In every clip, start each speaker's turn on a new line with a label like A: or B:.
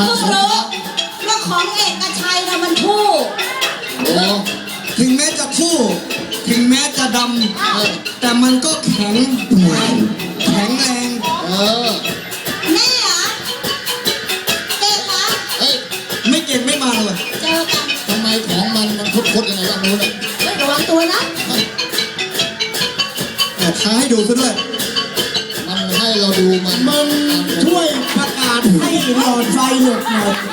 A: เพิ่งรู้ว่าของเอกชัยนะมันคู่
B: ถึงแม้จะคู่ถึงแม้จะดำแต่มันก็แข็งแรง
A: แน่เหรอเก่งเหรอ
B: ไม่เก่งไม่มาเลย
A: เจอกัน
C: ทำไมของมันคดยังไงบ้างนู้น
A: ระวังตัวนะ
B: ท้าให้ดูซะด้วย
C: มันให้เราดูมัน
B: ช่วยประกาศให้หลอดไฟหยุดหน่อย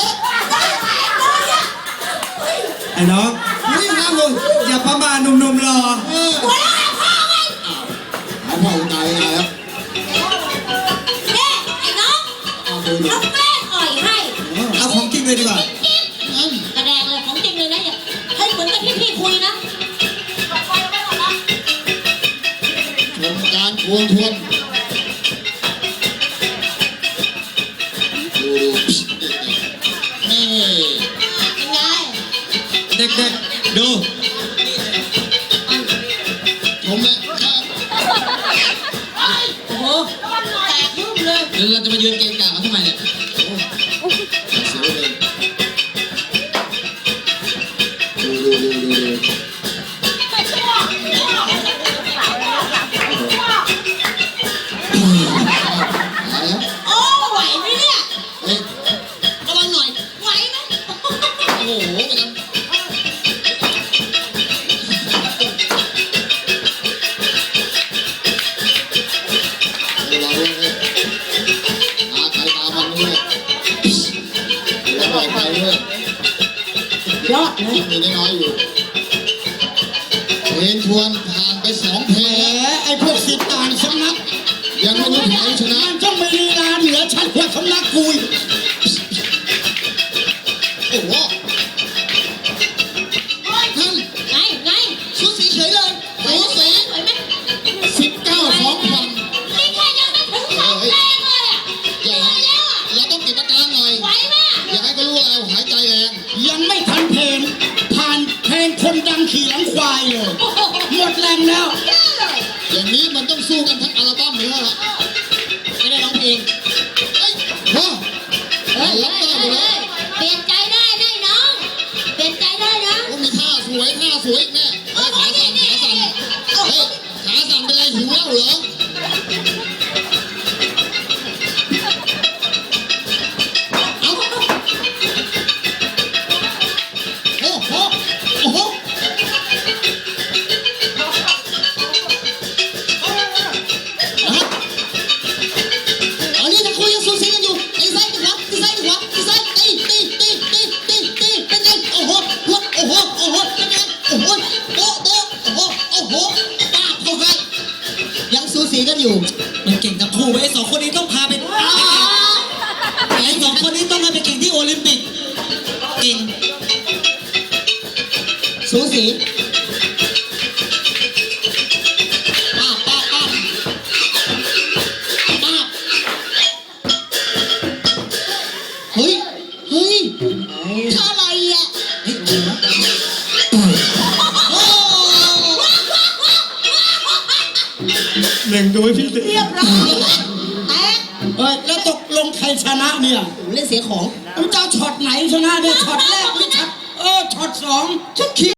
B: ไอ้น้องนี่นะมึงอย่าประมาทหนุ่มๆรอ
A: หัวเราะพ่อไง
C: พ่อตายแล้ว
A: ไอ้น้องเอาแป้งอ่อยให้
B: เอาของจริงเลยดีกว่า
A: แสดงเลยของจริงเลยนะอย่าให้เหมือนกับที่พี่คุยนะ
C: ชมการทวงดูนี่
A: ยังไง
B: เด็กๆดู
C: ชมเลย
A: โอ้โหแตกยุ่งเลย
C: เดี๋ยวเราจะมายืนเกะกะเขาทำไมเนี่ยเสียเลยดู
A: โอ้ไหวไหมเนี่ย
C: ระวังหน่อย
A: ไหวไหม
C: โอ้โหไปทำเราเลยตาใครตามันด้วยแล้วไปด้วย
A: ยอดเลย
C: ยังมีน้อยอยู่เพลงทวนผ่านไป2 เพลง
B: ไอ้พวกสิทธิ์ต่างสำนัก
C: ยังไม่รู้ใครชนะ
B: มันต้องมีลีลาเหนือชั้นกว่าสำนักกุย
C: โอ้โหนั่น
A: ไง
C: สูสีเฉยเลยสูสี
A: ไหวไหม
C: 19-2
A: นี่แค่ยังไม่ถึง2 เพลงเลยอ่ะ
C: เราต้องติดอาการหน่อย
A: ไหวไหม
C: อยากให้เขารู้เราหายใจแรง
B: ยังไม่ทันเพลงผ่านเพลงคนดังขี่หลังควายเลยหมดแรงแล้ว
C: อย่างนี้มันต้องสู้กันทั้งอัลบั้มเลยล่ะ
A: ไม่ได้ร้องเพลง
C: รับได้เลย
A: เปลี่ยนใจได้น้องเปลี่ยนใจได้นะ
C: มีท่าสวยแม่ขาสั่นเป็นไรหิวแล้วเหรอกันอยู่
B: มันเก่งทั้งคู่ไอ้2 คนนี้ต้องพาไปไอ้2 คนนี้ต้องมาไปเก่งที่โอลิมปิกเก่ง
C: สูสีเฮ้ยท่าอะไรอ่ะ
B: หนึ่งดูให้พี่
A: เรียบร้อยแตก
B: แล้วตกลงใครชนะเนี่ย
A: เล่นเสียของ
B: เจ้าช็อตไหนชนะเนี่ยช็อตแรกหรือช็อต2